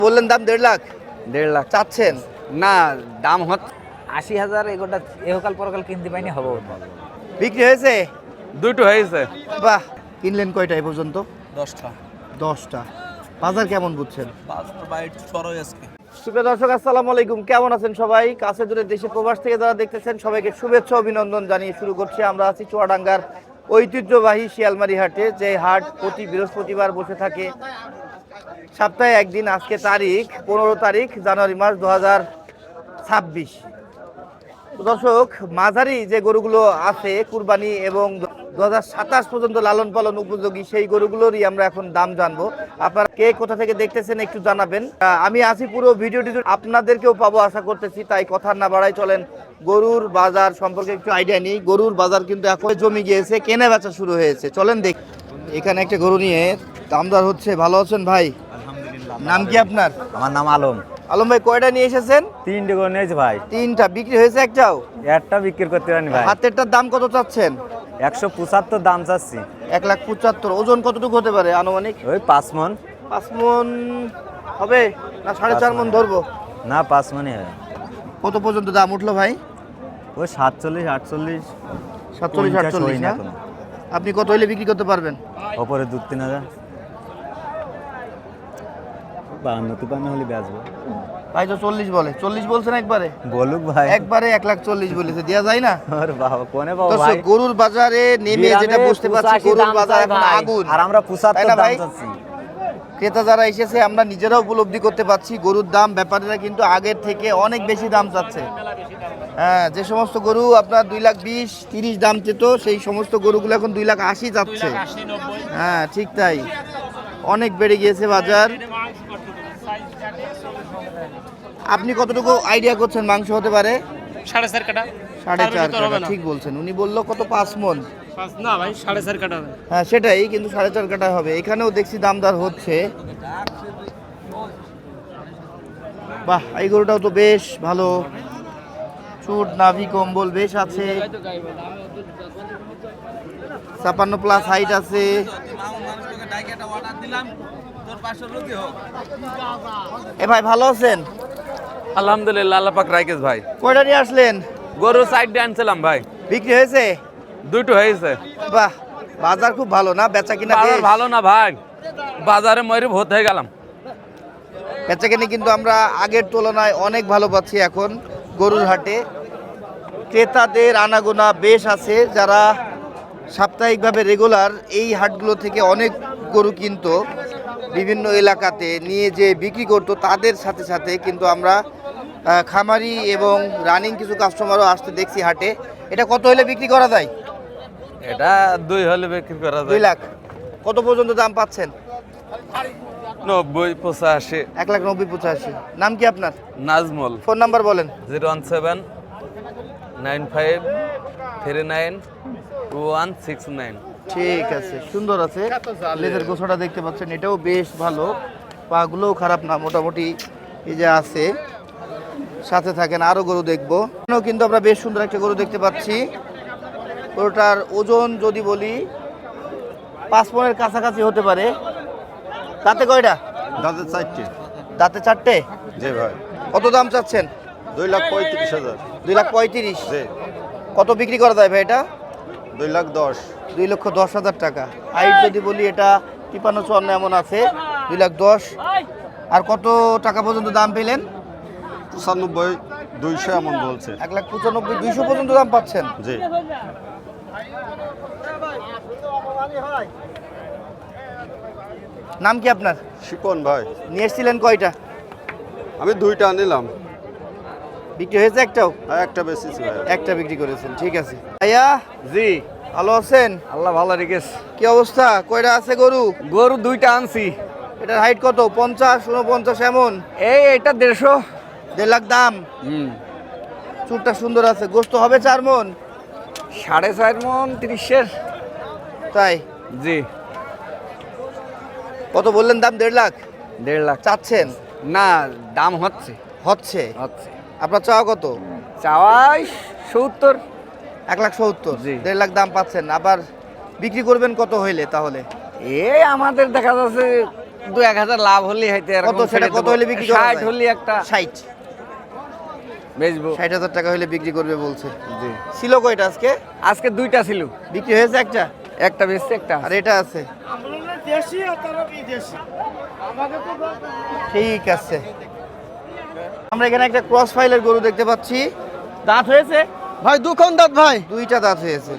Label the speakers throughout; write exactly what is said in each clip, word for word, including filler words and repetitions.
Speaker 1: বললেন দাম দেড় লাখ
Speaker 2: দেড় লাখ
Speaker 1: চাচ্ছেন
Speaker 2: না, দাম হচ্ছে
Speaker 3: আশি হাজার এগোটা এহকাল পরকাল কিনতে পাইনি হবো।
Speaker 1: বিক্রি হয়েছে?
Speaker 2: দুটো হয়েছে।
Speaker 1: বাহ, কিনলেন কয়টা এ পর্যন্ত?
Speaker 4: দশটা।
Speaker 1: দশটা। বাজার কেমন বুঝছেন?
Speaker 4: বাজার বাইট চড়াই আজকে।
Speaker 1: সুপ্রিয় দর্শক, আসসালামু আলাইকুম। কেমন আছেন সবাই? কাছে দূরে দেশে প্রবাস থেকে যারা দেখতেছেন সবাইকে শুভেচ্ছা অভিনন্দন জানিয়ে শুরু করছি। আমরা আছি চুয়াডাঙ্গার ঐতিহ্যবাহী শিয়ালমারি হাটে, যে হাট প্রতি বৃহস্পতিবার বসে থাকে সপ্তাহে একদিন। আজকে তারিখ পনেরো তারিখ জানুয়ারি মাস দু হাজার ছাব্বিশ। দর্শক, মাঝারি যে গরুগুলো আছে কুরবানি এবং দু হাজার সাতাশ পর্যন্ত লালন পালন উপযোগী, সেই গরুগুলোরই আমরা এখন দাম জানবো। আপনারা কে কোথা থেকে দেখতেছেন একটু জানাবেন। আহ, আমি আছি পুরো ভিডিওটি আপনাদেরকেও পাবো আশা করতেছি, তাই কথা না বাড়াই চলেন গরুর বাজার সম্পর্কে একটু আইডিয়া নিই। গরুর বাজার কিন্তু এখন জমি গিয়েছে, কেনা বেচা শুরু হয়েছে। চলেন দেখ। এখানে একটা গরু নিয়ে দামদার হচ্ছে। ভালো আছেন ভাই? নাম কি আপনার?
Speaker 3: আমার নাম আলম।
Speaker 1: আলম ভাই, কয়টা নিয়ে এসেছেন?
Speaker 3: তিনটে করে নিয়েছি ভাই।
Speaker 1: তিনটা বিক্রি হয়েছে? একটাও?
Speaker 3: একটা বিক্রি করতে পারিনি ভাই।
Speaker 1: হাতেরটার দাম কত চাচ্ছেন?
Speaker 3: একশো পঁচাত্তর দাম চাচ্ছি।
Speaker 1: এক লাখ পঁচাত্তর। ওজন কতটুকু হতে পারে আনুমানিক?
Speaker 3: ওই পাঁচ মন।
Speaker 1: পাঁচ মন হবে না সাড়ে চার মন ধরবো?
Speaker 3: না, পাঁচ মনই হয়।
Speaker 1: কত পর্যন্ত দাম উঠলো ভাই?
Speaker 3: ওই সাতচল্লিশ আটচল্লিশ
Speaker 1: সাতচল্লিশ আটচল্লিশ না? আপনি কত হইলে বিক্রি করতে পারবেন?
Speaker 3: ওপরে দু তিন হাজার বান্ন তিপান্ন হলে বেচবো
Speaker 1: ভাই তো চল্লিশ বলে। চল্লিশ বলছেন একবারে?
Speaker 3: বলুক ভাই।
Speaker 1: একবারে এক লাখ চল্লিশ বলেছে, দেওয়া যায় না?
Speaker 3: আরে বাবা, কোনে বাবা
Speaker 1: দর্শক,
Speaker 3: ভাই,
Speaker 1: গরুর বাজারে নেমে যেটা বুঝতে পারছি, গরুর বাজার এখন আগুন।
Speaker 3: আর আমরা
Speaker 1: তাই
Speaker 3: পঁচাত্তর
Speaker 1: না
Speaker 3: দাম
Speaker 1: ভাই?
Speaker 3: চাচ্ছি।
Speaker 1: ক্রেতা যারা এসেছে আমরা নিজেরাও উপলব্ধি করতে পারছি গরুর দাম। ব্যাপারীরা কিন্তু আগের থেকে অনেক বেশি দাম চাচ্ছে। হ্যাঁ, যে সমস্ত গরু আপনার দুই লাখ বিশ তিরিশ দাম চেত, সেই সমস্ত গরুগুলো এখন দুই লাখ আশি যাচ্ছে। হ্যাঁ ঠিক তাই, অনেক বেড়ে গিয়েছে বাজার। আপনি কতটুকু আইডিয়া করছেন মাংস হতে পারে?
Speaker 4: সাড়ে চার কাটা।
Speaker 1: সাড়ে চার কাটা ঠিক বলছেন। উনি বললো কত, পাঁচ মন?
Speaker 4: না ভাই, সাড়ে চার কাটা।
Speaker 1: হ্যাঁ সেটাই, কিন্তু সাড়ে চার কাটা হবে। এখানেও দেখছি দামদার হচ্ছে। বাহ, এই গরুটাও তো বেশ ভালো, চুট নাভি কম্বল বেশ আছে, ছাপান্ন প্লাস হাইট আছে। এ ভাই ভালো আছেন?
Speaker 2: আলহামদুলিল্লাহ, আল্লাহ পাক রাখেস ভাই।
Speaker 1: কয়টা নিয়ে আসলেন?
Speaker 2: গরু সাইড দিয়ে আনছিলাম ভাই।
Speaker 1: বিক্রি হয়েছে?
Speaker 2: দুটো হয়েছে।
Speaker 1: বাহ, বাজার খুব ভালো না? বেচা কিনা
Speaker 2: বাজার
Speaker 1: বেশ?
Speaker 2: ভালো না ভাই, বাজারে ময়ূর ভোত হয়ে গেলাম।
Speaker 1: বেচা কিনে কিন্তু আমরা আগের তুলনায় অনেক ভালো পাচ্ছি এখন গরুর হাটে। ক্রেতাদের আনাগোনা বেশ আছে। যারা সাপ্তাহিকভাবে রেগুলার এই হাটগুলো থেকে অনেক গরু কিনতো, বিভিন্ন এলাকাতে নিয়ে যে বিক্রি করতো, তাদের সাথে সাথে কিন্তু আমরা আহ, খামারি এবং রানিং কিছু কাস্টমারও আসতে দেখছি হাটে। এটা কত হলে বিক্রি করা যায়?
Speaker 2: এটা দুই হলে বিক্রি করা
Speaker 1: দুই
Speaker 2: যায়।
Speaker 1: লাখ। কত পর্যন্ত দাম পাচ্ছেন?
Speaker 2: নব্বই পঁচাশি।
Speaker 1: এক লাখ নব্বই পঁচাশি। নাম কি আপনার?
Speaker 2: নাজমুল।
Speaker 1: ফোন নাম্বার বলেন।
Speaker 2: Zero one seven nine five three nine two one six nine.
Speaker 1: ঠিক আছে, সুন্দর আছে। লেজের গোছাটা দেখতে পাচ্ছেন, এটাও বেশ ভালো। পাগুলোও খারাপ না, মোটামুটি এই যে আছে। সাথে থাকেন, আরো গরু দেখবো। এখানেও কিন্তু আমরা বেশ সুন্দর একটা গরু দেখতে পাচ্ছি। গরুটার ওজন যদি বলি পাঁচ মনের কাছাকাছি হতে পারে। দাঁতে কয়টা?
Speaker 5: দাঁতের চারটে।
Speaker 1: দাঁতে চারটে।
Speaker 5: জি ভাই।
Speaker 1: কত দাম চাচ্ছেন?
Speaker 5: দুই লাখ পঁয়ত্রিশ হাজার।
Speaker 1: দুই লাখ পঁয়ত্রিশ।
Speaker 5: জি।
Speaker 1: কত বিক্রি করা যায় ভাই এটা?
Speaker 5: দুই লাখ দশ।
Speaker 1: দুই লক্ষ দশ হাজার টাকা। হাইট যদি বলি এটা তিপান্ন চুয়ান্ন এমন আছে, দুই লাখ দশ। আর কত টাকা পর্যন্ত দাম পেলেন?
Speaker 5: পঁচানব্বই দুইশো এমন বলছে।
Speaker 1: এক লাখ পঁচানব্বই দুইশো পর্যন্ত দাম পাচ্ছেন?
Speaker 5: জি।
Speaker 1: নাম কি আপনার?
Speaker 5: শিপন ভাই।
Speaker 1: নিয়ে এসেছিলেন কয়টা?
Speaker 5: আমি দুইটা নিলাম।
Speaker 1: বিক্রি হয়েছে একটাও?
Speaker 5: আর একটা বেশিছি ভাই।
Speaker 1: একটা বিক্রি করেছেন, ঠিক আছে। ভাইয়া
Speaker 2: জি,
Speaker 1: ভালো আছেন?
Speaker 2: আল্লাহ ভালো রেখেস।
Speaker 1: কি অবস্থা? কয়টা আছে গরু?
Speaker 2: গরু দুইটা আনছি।
Speaker 1: এটার হাইট কত? পঞ্চাশ উনপঞ্চাশ এমন?
Speaker 2: এই এটা দেড়শো।
Speaker 1: দেড় লাখ দাম।
Speaker 2: হুম,
Speaker 1: চুরটা সুন্দর আছে। গোস্ত হবে চার মন?
Speaker 2: সাড়ে চার মন তিরিশের।
Speaker 1: তাই?
Speaker 2: জি।
Speaker 1: কত বললেন দাম? দেড় লাখ
Speaker 2: দেড় লাখ
Speaker 1: চাচ্ছেন?
Speaker 2: না, দাম হচ্ছে
Speaker 1: হচ্ছে।
Speaker 2: হচ্ছে
Speaker 1: আপনার চাওয়া কত?
Speaker 2: চাওয়াই সত্তর।
Speaker 1: এক লাখ সত্তর।
Speaker 2: জি।
Speaker 1: দেড় লাখ দাম পাচ্ছেন। আবার বিক্রি করবেন কত হইলে তাহলে?
Speaker 2: এ আমাদের দেখা যাচ্ছে দু এক হাজার লাভ হলেই হয়তো
Speaker 1: কত সেটা কত হলে বিক্রি করা
Speaker 2: ষাট
Speaker 1: যায়?
Speaker 2: হলে একটা
Speaker 1: ষাট
Speaker 2: বেচবো।
Speaker 1: ষাট হাজার টাকা হলে বিক্রি করবে বলছে।
Speaker 2: জি
Speaker 1: ছিল কয়টা আজকে?
Speaker 2: আজকে দুইটা ছিল,
Speaker 1: বিক্রি হয়েছে একটা,
Speaker 2: একটা বেচছে একটা
Speaker 1: আর এটা আছে। ঠিক আছে, আমরা এখানে একটা ক্রস ফাইলের গরু দেখতে পাচ্ছি। দাঁত হয়েছে
Speaker 4: ভাই দুখন দাঁত ভাই।
Speaker 1: দুইটা দাঁত হয়েছে।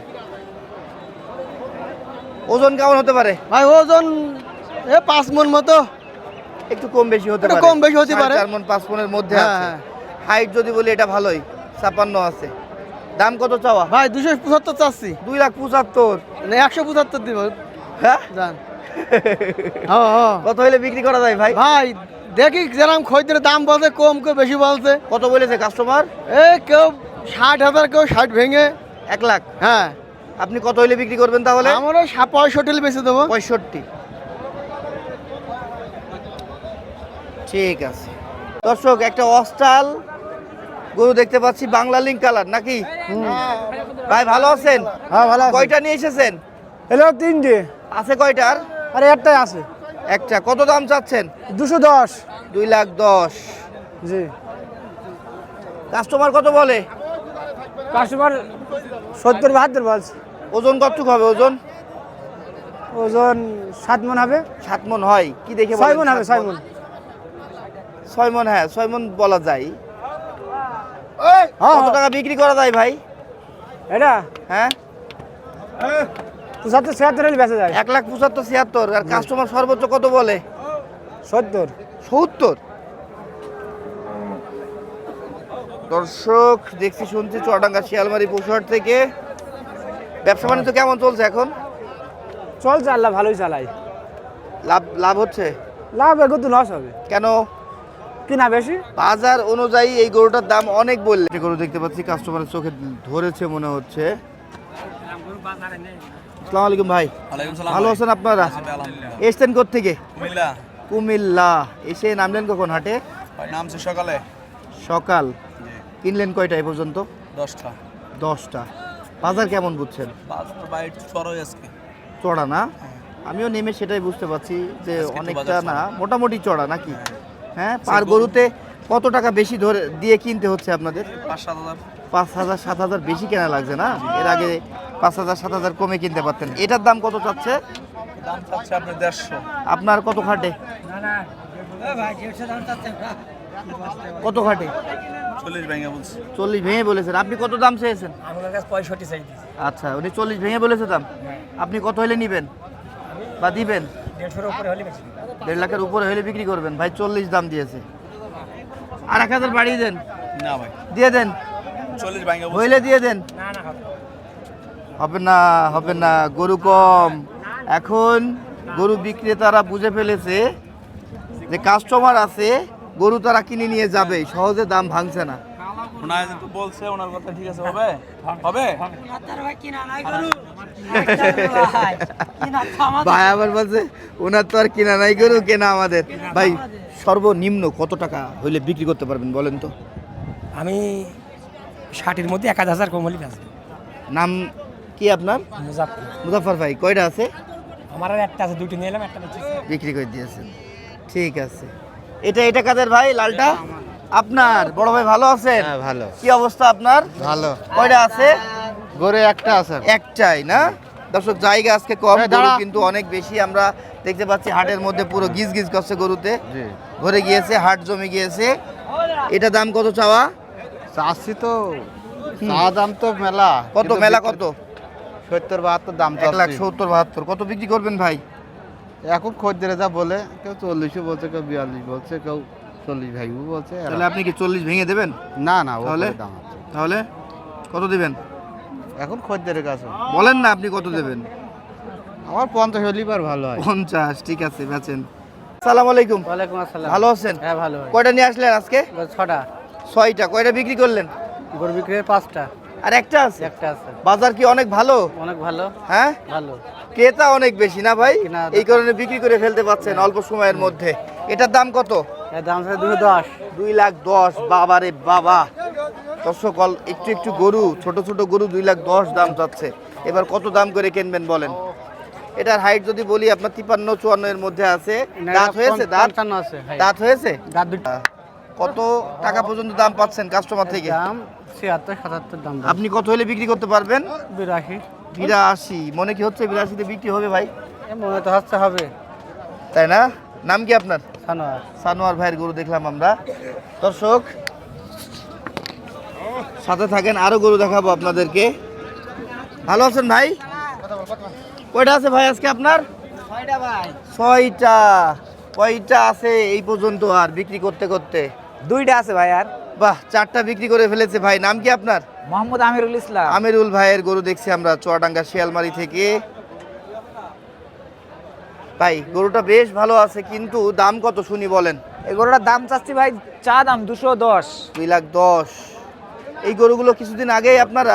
Speaker 1: ওজন কেমন হতে পারে?
Speaker 4: ভাই ওজন এ পাঁচ মন মতো।
Speaker 1: একটু কম বেশি হতে
Speaker 4: একটু
Speaker 1: পারে,
Speaker 4: কম বেশি হতে
Speaker 1: সাড়ে
Speaker 4: পারে।
Speaker 1: চার মণ পাঁচ মণের মধ্যে
Speaker 4: হ্যাঁ,
Speaker 1: আছে।
Speaker 4: হ্যাঁ।
Speaker 1: হাইট যদি বলি এটা ভালোই, ছাপান্ন আছে। দাম কত চাওয়া?
Speaker 4: ভাই দুশো পঁচাত্তর চাচ্ছি,
Speaker 1: দুই লাখ পঁচাত্তর।
Speaker 4: না একশো পঁচাত্তর দিব।
Speaker 1: হ্যাঁ,
Speaker 4: জান হ্যাঁ হ্যাঁ।
Speaker 1: কত হলে বিক্রি করা যায় ভাই?
Speaker 4: ভাই দেখি যেরকম খরিদ্দের দাম বলছে, কম কেউ বেশি বলছে।
Speaker 1: কত বলেছে কাস্টমার?
Speaker 4: এ কেউ ষাট হাজার, কেউ ষাট ভেঙে।
Speaker 1: এক লাখ।
Speaker 4: হ্যাঁ,
Speaker 1: আপনি কত হলে বিক্রি করবেন তাহলে?
Speaker 4: আমারও পঁয়ষট্টি বেঁচে দেবো।
Speaker 1: পঁয়ষট্টি। ঠিক আছে দর্শক, একটা অস্টাল গরু দেখতে পাচ্ছি, বাংলা লিঙ্ক কালার নাকি? ভাই ভালো আছেন?
Speaker 4: হ্যাঁ ভালো
Speaker 1: কয়টা নিয়ে এসেছেন?
Speaker 4: এলো তিনটে,
Speaker 1: আছে কয়টার?
Speaker 4: আরে একটাই আছে।
Speaker 1: একটা। কত দাম চাচ্ছেন?
Speaker 4: দুশো দশ।
Speaker 1: দুই লাখ দশ।
Speaker 4: জি,
Speaker 1: কাস্টমার কত বলে?
Speaker 4: কাস্টমার সত্তর বাহাত্তর বলছে।
Speaker 1: ওজন কতটুকু হবে? ওজন
Speaker 4: ওজন সাত মন হবে।
Speaker 1: সাত মন হয় কি দেখে
Speaker 4: ছয়
Speaker 1: বলেন?
Speaker 4: মন হবে,
Speaker 1: সাত
Speaker 4: ছয় মন।
Speaker 1: ছয় মন, হ্যাঁ ছয় মন বলা যায়।
Speaker 4: হ্যাঁ
Speaker 1: কত টাকা বিক্রি করা যায় ভাই?
Speaker 4: এটা
Speaker 1: হ্যাঁ,
Speaker 4: পঁচাত্তর ছিয়াত্তর হলে বেঁচে যায়।
Speaker 1: এক লাখ পঁচাত্তর ছিয়াত্তর। আর কাস্টমার সর্বোচ্চ কত বলে?
Speaker 4: সত্তর।
Speaker 1: সত্তর। দর্শক দেখছি শুনছি চুয়াডাঙ্গা শিয়ালমারি পশুহাট থেকে। ব্যবসা বাণিজ্য কেমন চলছে এখন?
Speaker 4: চলছে, আল্লাহ ভালোই চালাই।
Speaker 1: লাভ লাভ হচ্ছে?
Speaker 4: লাভ এগো তো লস হবে,
Speaker 1: কেন?
Speaker 4: কিনা বেশি।
Speaker 1: বাজার অনুযায়ী এই গরুটার দাম অনেক বললে। যে গরু দেখতে পাচ্ছি কাস্টমারের চোখে ধরেছে মনে হচ্ছে। আসসালামু আলাইকুম ভাই, ভালো আছেন আপনারা? এসছেন কোত্থেকে?
Speaker 6: কুমিল্লা।
Speaker 1: কুমিল্লা। এসে নামলেন কখন হাটে?
Speaker 6: নামছে সকালে।
Speaker 1: সকাল। কিনলেন কয়টা এ পর্যন্ত?
Speaker 6: দশটা।
Speaker 1: দশটা। বাজার কেমন বুঝছেন?
Speaker 6: বাজার বাইট চড়াই আজকে।
Speaker 1: চড়া না? আমিও নেমে সেটাই বুঝতে পারছি যে
Speaker 6: আজকে একটু
Speaker 1: অনেকটা
Speaker 6: বাজার
Speaker 1: না,
Speaker 6: চড়া।
Speaker 1: মোটামুটি চড়া নাকি? হ্যাঁ, পার গরুতে কত টাকা বেশি ধরে দিয়ে কিনতে হচ্ছে আপনাদের?
Speaker 6: পাঁচ সাত হাজার।
Speaker 1: পাঁচ হাজার সাত হাজার বেশি কেনা লাগছে না? এর আগে পাঁচ হাজার সাত হাজার কমে কিনতে পারতেন। এটার দাম কত চাচ্ছে?
Speaker 6: দাম চাচ্ছে আপনার দেড়শো।
Speaker 1: আপনার কত খাটে? কত খাটে?
Speaker 6: চল্লিশ ভেঙে বলছে।
Speaker 1: চল্লিশ ভেঙে বলেছেন। আপনি কত দাম চেয়েছেন?
Speaker 4: আমার কাছে পঁয়ষট্টি চাই।
Speaker 1: আচ্ছা, উনি চল্লিশ ভেঙে বলেছে দাম। আপনি কত হলে নিবেন বা দিবেন?
Speaker 4: দেড়শোর উপরে হলে বেশি।
Speaker 1: দেড় লাখের উপরে হলে বিক্রি করবেন। ভাই চল্লিশ দাম দিয়েছে, আর এক হাজার বাড়িয়ে দেন,
Speaker 6: না ভাই,
Speaker 1: দিয়ে দেন,
Speaker 6: চল্লিশ ভেঙে বলছে।
Speaker 1: হইলে দিয়ে দেন।
Speaker 4: না না হবে
Speaker 1: হবে না, হবে না, গরু কম। এখন গরু বিক্রেতারা বুঝে ফেলেছে যে কাস্টমার আছে, গরু তারা কিনে নিয়ে যাবে, সহজে দাম ভাঙছে না।
Speaker 6: ওনার তো বলছে, ওনার কথা ঠিক আছে, হবে হবে।
Speaker 1: ভাই আবার বলছে ওনার তো আর কিনা নাই গরু, কেনা আমাদের। ভাই সর্বনিম্ন কত টাকা হইলে বিক্রি করতে পারবেন বলেন তো?
Speaker 7: আমি ষাটের মধ্যে এক হাজার কম হলে বেচবো।
Speaker 1: নাম কি আপনার?
Speaker 7: মুজাফর।
Speaker 1: মুজাফর ভাই। কয়টা আছে?
Speaker 7: আমার আর একটা আছে, দুইটা নিয়ে এলাম, একটা বেচেছি।
Speaker 1: বিক্রি করে দিয়েছেন, ঠিক আছে। এটা এটা কাদের ভাই? লালটা আপনার? বড় ভাই ভালো আছেন?
Speaker 3: হ্যাঁ ভালো।
Speaker 1: কি অবস্থা আপনার?
Speaker 3: ভালো।
Speaker 1: কয়টা আছে?
Speaker 3: গরু একটা আছে।
Speaker 1: একটাই না? দর্শক জায়গা আজকে কম, গরু কিন্তু অনেক বেশি। আমরা দেখতে পাচ্ছি হাটের মধ্যে পুরো গিজ গিজ করছে গরুতে,
Speaker 3: জি।
Speaker 1: ভরে গিয়েছে, হাট জমে গিয়েছে। এটা দাম কত চাওয়া?
Speaker 3: চাষি তো চা দাম তো মেলা।
Speaker 1: কত মেলা কত?
Speaker 3: সত্তর বাহাত্তর দাম
Speaker 1: এক লাখ সত্তর বাহাত্তর। কত বিক্রি করবেন ভাই?
Speaker 3: এখন খদ্দেরে যা বলে, কেউ চল্লিশও বলছে, কেউ বিয়াল্লিশ বলছে, কেউ চল্লিশ ভাইও বলছে।
Speaker 1: তাহলে আপনি কি চল্লিশ ভেঙে দেবেন?
Speaker 3: না না, ও
Speaker 1: তাহলে?
Speaker 3: দাম আছে।
Speaker 1: তাহলে কত দিবেন
Speaker 3: এখন খদ্দেরের কাছে
Speaker 1: বলেন না, আপনি কত দেবেন?
Speaker 3: আমার পঞ্চাশ হলিবার ভালো হয়।
Speaker 1: পঞ্চাশ। ঠিক আছে, বেচেন। আসসালামু আলাইকুম।
Speaker 7: ওয়ালাইকুম আসসালাম।
Speaker 1: ভালো আছেন?
Speaker 7: হ্যাঁ ভালো।
Speaker 1: কয়টা নিয়ে আসলেন আজকে?
Speaker 7: ছটা।
Speaker 1: ছয়টা। কয়টা বিক্রি করলেন?
Speaker 7: গরু বিক্রির পাঁচটা,
Speaker 1: আর একটা আছে?
Speaker 7: একটা আছে।
Speaker 1: বাজার কি অনেক ভালো?
Speaker 7: অনেক ভালো।
Speaker 1: হ্যাঁ,
Speaker 7: ভালো।
Speaker 1: ক্রেতা অনেক বেশি না ভাই?
Speaker 7: কেনা-
Speaker 1: এই কারণে বিক্রি করে ফেলতে পারছেন অল্প সময়ের মধ্যে। এটার দাম কত?
Speaker 7: এর দাম আছে দুশো দশ।
Speaker 1: দুই লাখ দশ। বাবা রে বাবা। দর্শক অল- একটু একটু গরু, ছোট ছোট গরু দুই লাখ দশ দাম চাচ্ছে। এবার কত দাম করে কিনবেন বলেন? এটার হাইট যদি বলি আপনার তিপ্পান্ন চুয়ান্ন এর মধ্যে আছে। দাঁত হয়েছে? দাঁত
Speaker 4: পঞ্চান্ন আছে ভাই।
Speaker 1: দাঁত হয়েছে?
Speaker 4: দাঁত দুটো।
Speaker 1: কত টাকা পর্যন্ত দাম পাচ্ছেন কাস্টমার থেকে?
Speaker 4: দাম ছিয়াত্তর সাতাত্তর দাম।
Speaker 1: আপনি কত হলে বিক্রি করতে পারবেন?
Speaker 4: বিরাশি।
Speaker 1: বিরাশি মনে কি হচ্ছে? বিরাশিতে বিক্রি হবে ভাই?
Speaker 4: এ মনে তো হচ্ছে হবে।
Speaker 1: তাই না? নাম কি আপনার?
Speaker 4: সানোয়ার।
Speaker 1: সানোয়ার ভাইয়ের গরু দেখলাম আমরা। দর্শক সাথে থাকেন, আরো গরু দেখাবো আপনাদেরকে। ভালো আছেন ভাই? কয়টা আছে ভাই আজকে আপনার?
Speaker 4: ছয়টা ভাই।
Speaker 1: ছয়টা। কয়টা আছে এই পর্যন্ত আর বিক্রি করতে করতে?
Speaker 8: দুইটা আছে ভাই। আর
Speaker 1: বাহ, চারটা বিক্রি করে ফেলেছে ভাই। নাম কি আপনার?
Speaker 8: মোহাম্মদ আমিরুল ইসলাম।
Speaker 1: আমিরুল ভাইয়ের গরু দেখছি আমরা চুয়াডাঙ্গা শিয়ালমারি থেকে। ভাই গরুটা বেশ ভালো আছে, কিন্তু দাম কত শুনি বলেন?
Speaker 8: এই গরুটার দাম চাচ্ছি ভাই, চা দাম দুশো দশ।
Speaker 1: দুই লাখ দশ। এই গরুগুলো কিছুদিন আগেই আপনারা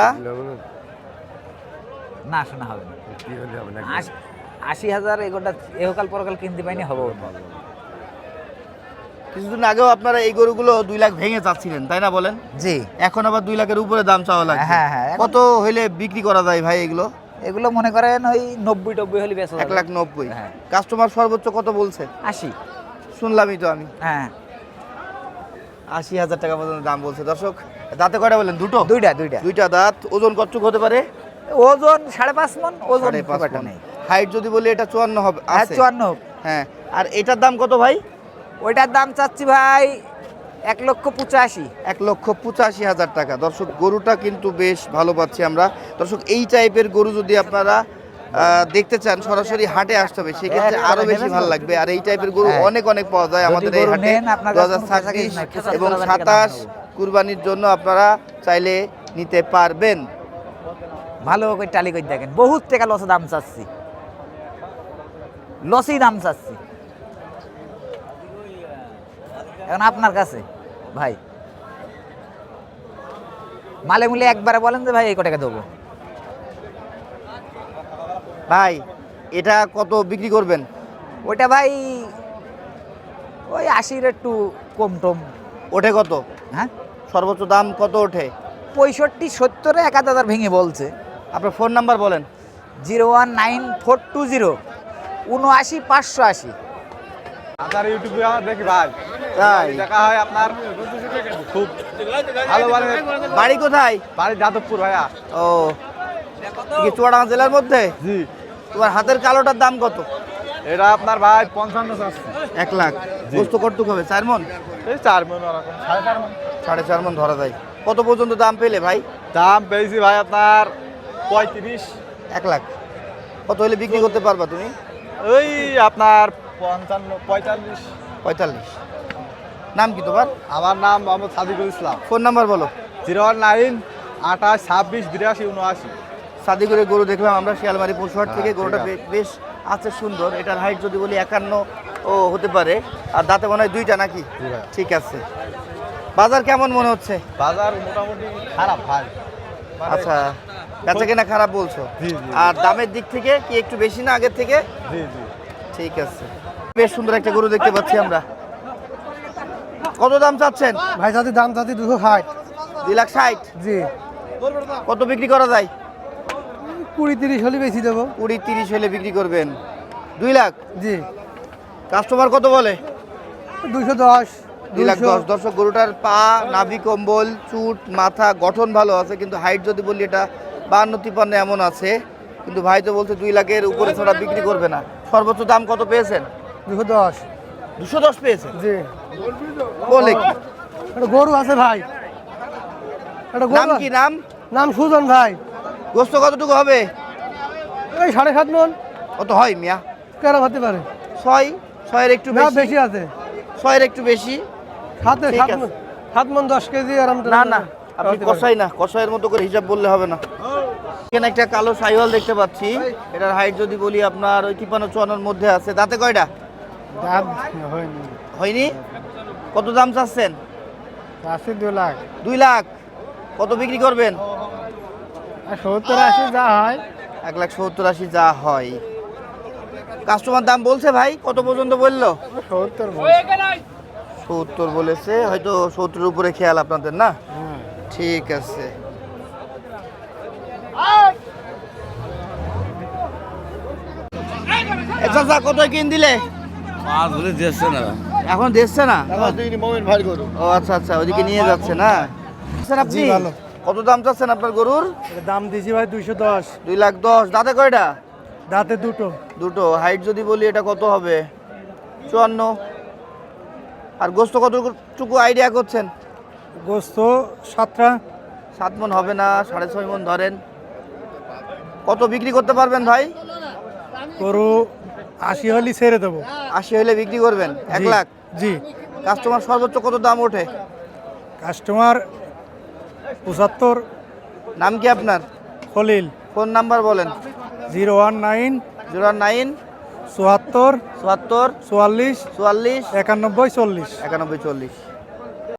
Speaker 8: না শোনা হবে না। আশি- আশি হাজার এগোটা এহকাল পরকাল কিনতে পাইনি হবে না।
Speaker 1: কিছুদিন আগেও আপনারা এই গরুগুলো দুই লাখ ভেঙে চাচ্ছিলেন, তাই না বলেন?
Speaker 8: জি।
Speaker 1: এখন আবার দুই লাখের উপরে দাম চাওয়া লাগে।
Speaker 8: হ্যাঁ, হ্যাঁ, এখন-
Speaker 1: কত হইলে বিক্রি করা যায় ভাই এগুলো?
Speaker 8: এগুলো মনে করেন ওই নব্বই টব্বই হলে বেশ
Speaker 1: এক লাখ নব্বই।
Speaker 8: হ্যাঁ।
Speaker 1: কাস্টমার সর্বোচ্চ কত বলছে?
Speaker 8: আশি।
Speaker 1: শুনলামই তো আমি,
Speaker 8: হ্যাঁ,
Speaker 1: আশি হাজার টাকা পর্যন্ত দাম বলছে। দর্শক দাঁতে কয়টা বলেন? দুটো।
Speaker 8: দুইটা দুইটা
Speaker 1: দুইটা দাঁত। ওজন কতটুকু হতে পারে?
Speaker 8: ওজন সাড়ে পাঁচ মন। ওজন
Speaker 1: সাড়ে পাঁচ
Speaker 8: খুব একটা
Speaker 1: মণ।
Speaker 8: নেই।
Speaker 1: হাইট যদি বলি এটা চুয়ান্ন হবে।
Speaker 8: হ্যাঁ,
Speaker 1: আছে?
Speaker 8: চুয়ান্ন।
Speaker 1: হ্যাঁ। আর এটার দাম কত ভাই?
Speaker 8: ওইটার দাম চাচ্ছি ভাই এক লক্ষ পঁচাশি।
Speaker 1: এক লক্ষ পঁচাশি হাজার টাকা। দর্শক গরুটা কিন্তু বেশ ভালো পাচ্ছি আমরা। দর্শক এই টাইপের গরু যদি আপনারা আহ, দেখতে চান সরাসরি হাটে আসতে হবে, সেক্ষেত্রে
Speaker 8: হ্যাঁ,
Speaker 1: আরো
Speaker 8: নেবেন
Speaker 1: বেশি
Speaker 8: তো?
Speaker 1: ভালো লাগবে। আর এই টাইপের গরু
Speaker 8: হ্যাঁ।
Speaker 1: অনেক অনেক পাওয়া যায়
Speaker 8: যদি
Speaker 1: আমাদের এই
Speaker 8: গরু
Speaker 1: হাটে।
Speaker 8: নেন, আপনার
Speaker 1: দু
Speaker 8: কাছে
Speaker 1: হাজার
Speaker 8: কোনো পয়সা
Speaker 1: ছাব্বিশ
Speaker 8: কিছু নাই, পঁচাত্তর
Speaker 1: এবং
Speaker 8: হাজার টাকা দাম
Speaker 1: সাতাশ
Speaker 8: নেবো।
Speaker 1: কুরবানির জন্য আপনারা চাইলে নিতে পারবেন।
Speaker 8: ভালো করে টালি করে দেখেন, বহুত টাকা লসে দাম চাচ্ছি, লসই দাম চাচ্ছি। এখন আপনার কাছে ভাই মালে মুলে একবারে বলেন যে ভাই এই কটাকা দেবো।
Speaker 1: ভাই এটা কত বিক্রি করবেন?
Speaker 8: ওইটা ভাই ওই আশির একটু কম টম।
Speaker 1: ওঠে কত?
Speaker 8: হ্যাঁ,
Speaker 1: সর্বোচ্চ দাম কত ওঠে?
Speaker 8: পঁয়ষট্টি সত্তরে এক হাজার ভেঙে বলছে।
Speaker 1: আপনার ফোন নাম্বার বলেন।
Speaker 8: Zero one nine four two zero উনআশি পাঁচশো আশি।
Speaker 6: আপনার ইউটিউবে আমার দেখি ভাই,
Speaker 1: তাই?
Speaker 6: দেখা হয় আপনার খুব ভালো ভালো।
Speaker 1: বাড়ি কোথায়?
Speaker 6: বাড়ি যাদবপুর ভাইয়া।
Speaker 1: ও, কি চুয়াডাঙ্গা জেলার মধ্যে?
Speaker 6: জি।
Speaker 1: তোমার হাতের কালোটার দাম কত?
Speaker 6: এটা আপনার ভাই পঞ্চান্ন চাচ্ছি।
Speaker 1: এক লাখ। গোস্ত কতটুকু হবে? চার মন?
Speaker 6: এই চার মন ওরকম, সাড়ে চার মন।
Speaker 1: সাড়ে চার মন ধরা যায়। কত পর্যন্ত দাম পেলে ভাই?
Speaker 6: দাম পেয়েছি ভাই আপনার পঁয়ত্রিশ।
Speaker 1: এক লাখ। কত হলে বিক্রি করতে পারবা তুমি?
Speaker 6: ওই আপনার পঞ্চান্ন পঁয়তাল্লিশ।
Speaker 1: পঁয়তাল্লিশ। নাম কি তোমার?
Speaker 6: আমার নাম মোহাম্মদ সাদিকুল ইসলাম।
Speaker 1: ফোন নাম্বার বলো।
Speaker 6: জিরো ওয়ান নাইন আঠাশ ছাব্বিশ বিরাশি উনআশি।
Speaker 1: সাদিকুরের গরু দেখলাম আমরা শিয়ালমারি পশুহাট থেকে।
Speaker 6: হ্যাঁ,
Speaker 1: গরুটা
Speaker 6: ঠিক
Speaker 1: বে- বেশ আছে, সুন্দর। এটার হাইট যদি বলি একান্ন ও হতে পারে। আর দাঁতে মনে হয় দুইটা নাকি?
Speaker 6: জি ভাই।
Speaker 1: ঠিক আছে। বাজার কেমন মনে হচ্ছে?
Speaker 6: বাজার মোটামুটি খারাপ ভাই। মানে-
Speaker 1: আচ্ছা, বেচা কেনা খারাপ বলছো?
Speaker 6: জি, জি।
Speaker 1: আর দামের দিক থেকে কি একটু বেশি না আগের থেকে?
Speaker 6: জি জি।
Speaker 1: ঠিক আছে। বেশ সুন্দর একটা গরু দেখতে পাচ্ছি আমরা। কত দাম চাচ্ছেন?
Speaker 4: ভাই যদি দাম চাচ্ছি দুশো ষাট।
Speaker 1: দুই লাখ ষাট।
Speaker 4: জি।
Speaker 1: কত বিক্রি করা যায়?
Speaker 4: কুড়ি তিরিশ হলে বেশি দেবো।
Speaker 1: কুড়ি তিরিশ হলে বিক্রি করবেন। দুই লাখ।
Speaker 4: জি।
Speaker 1: কাস্টমার কত বলে?
Speaker 4: দুশো দশ।
Speaker 1: দুই লাখ দশ। দর্শক গরুটার পা, নাভি, কম্বল, চুট, মাথা গঠন ভালো আছে, কিন্তু হাইট যদি বলি এটা বান্ন তিপ্পান্ন এমন আছে। কিন্তু ভাই তো বলছে দুই লাখের উপরে ছাড়া বিক্রি করবে না। সর্বোচ্চ দাম কত পেয়েছেন?
Speaker 4: দুশো দশ।
Speaker 1: দুশো দশ পেয়েছেন?
Speaker 4: জি।
Speaker 1: বলে কি?
Speaker 4: একটা গরু আছে ভাই, একটা
Speaker 1: নাম
Speaker 4: গরু।
Speaker 1: কি নাম?
Speaker 4: নাম সুজন ভাই।
Speaker 1: গোস্ত কতটুকু হবে?
Speaker 4: এই সাড়ে সাত মন।
Speaker 1: কত হয় মিয়া?
Speaker 4: কেরম হতে পারে?
Speaker 1: ছয়। ছয়ের একটু
Speaker 4: না
Speaker 1: বেশি।
Speaker 4: বেশি আছে।
Speaker 1: ছয়ের একটু বেশি।
Speaker 4: সাতে
Speaker 1: ঠিক
Speaker 4: সাত
Speaker 1: আছে।
Speaker 4: মন। সাত মন দশ কেজি আরাম।
Speaker 1: না না, আপনি কষাই না, কষাইয়ের মতো করে হিসাব বললে হবে না। এখানে একটা কালো সাইওয়াল দেখতে পাচ্ছি। এটার হাইট যদি বলি আপনার ওই তিপ্পান্ন চুয়ান্নর মধ্যে আছে। দাঁতে কয়টা?
Speaker 4: দাম হয়নি।
Speaker 1: হয়নি? কত দাম চাচ্ছেন?
Speaker 4: আশি দু লাখ।
Speaker 1: দুই লাখ। কত বিক্রি করবেন?
Speaker 4: সত্তর আশি যা হয়।
Speaker 1: এক লাখ সত্তর আশি যা হয়। কাস্টমার দাম বলছে ভাই, কত পর্যন্ত বললো?
Speaker 4: সত্তর।
Speaker 1: সত্তর বলেছে, হয়তো সত্তরের উপরে খেয়াল আপনাদের না? ঠিক আছে। এ চাচা কত কিন দিলে?
Speaker 2: পাঁচ বলে দিচ্ছে না
Speaker 1: এখন দেখছে না?
Speaker 4: মোমিন ভাই গরু
Speaker 1: ও আচ্ছা আচ্ছা, ওইদিকে নিয়ে যাচ্ছে না? আচ্ছা, আপনি
Speaker 4: ভালো।
Speaker 1: কত দাম চাচ্ছেন আপনার গরুর?
Speaker 4: দাম দিছি ভাই দুইশো দশ
Speaker 1: দুই লাখ দশ। দাঁতে কয়টা?
Speaker 4: দাঁতে দুটো
Speaker 1: দুটো। হাইট যদি বলি এটা কত হবে? চুয়ান্ন। আর গোস্ত কতটুকু আইডিয়া করছেন?
Speaker 4: গোস্ত সাতটা
Speaker 1: সাত মন হবে না, সাড়ে ছয় মন ধরেন। কত বিক্রি করতে পারবেন ভাই?
Speaker 4: গরু আশি হলি ছেড়ে দেবো।
Speaker 1: আশি হলে বিক্রি করবেন? এক
Speaker 4: জি,
Speaker 1: লাখ।
Speaker 4: জি।
Speaker 1: কাস্টমার সর্বোচ্চ কত দাম ওঠে?
Speaker 4: কাস্টমার পঁচাত্তর।
Speaker 1: নাম কি আপনার?
Speaker 4: খলিল।
Speaker 1: ফোন নাম্বার বলেন।
Speaker 4: Zero one nine
Speaker 1: zero nine
Speaker 4: চুয়াত্তর
Speaker 1: চুয়াত্তর
Speaker 4: চুয়াল্লিশ
Speaker 1: চুয়াল্লিশ
Speaker 4: একানব্বই চল্লিশ।
Speaker 1: একানব্বই চল্লিশ।